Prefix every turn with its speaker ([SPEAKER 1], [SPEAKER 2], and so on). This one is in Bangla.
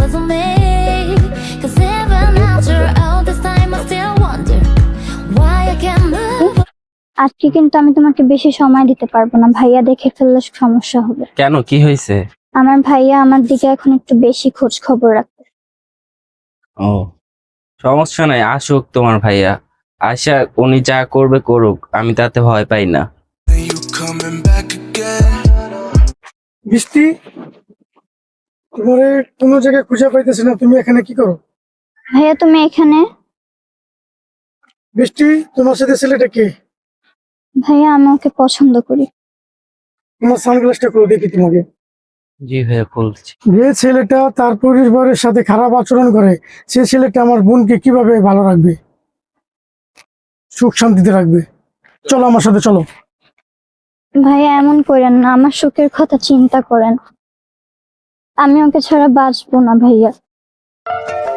[SPEAKER 1] for me. 'Cause even after all this time I still wonder why I can't move.
[SPEAKER 2] আজকে কিন্তু আমি তোমাকে বেশি সময় দিতে পারবো না, ভাইয়া দেখে ফেললে সমস্যা হবে।
[SPEAKER 3] কেন, কি হয়েছে?
[SPEAKER 2] আমার ভাইয়া আমার দিকে এখন একটু বেশি খোঁজ খবর রাখে।
[SPEAKER 3] ও, সমস্যা নাই, আসুক তোমার ভাইয়া। আশা উনি যা করবে করুক, আমি তাতে ভয় পাই না।
[SPEAKER 4] বৃষ্টি, তোমারে কোনো জায়গায় খুঁজে পাইতেছি না, তুমি এখানে কি করো?
[SPEAKER 2] ভাইয়া তুমি এখানে?
[SPEAKER 4] বৃষ্টি, তোমার সাথে ছেলেটা কে?
[SPEAKER 2] ভাইয়া আমি ওকে পছন্দ করি।
[SPEAKER 4] তোমার সানগ্লাসটা খুলে দেখি তোমাকে।
[SPEAKER 3] জি ভাইয়া, খুলছি।
[SPEAKER 4] যে ছেলেটা তার পরিবারের সাথে খারাপ আচরণ করে, সে ছেলেটা আমার বোনকে কিভাবে ভালো রাখবে, সুখ শান্তিতে রাখবে? চলো আমার সাথে, চলো।
[SPEAKER 2] ভাইয়া এমন করেন না, আমার সুখের কথা চিন্তা করেন। আমি ওকে ছাড়া বাঁচবো না ভাইয়া।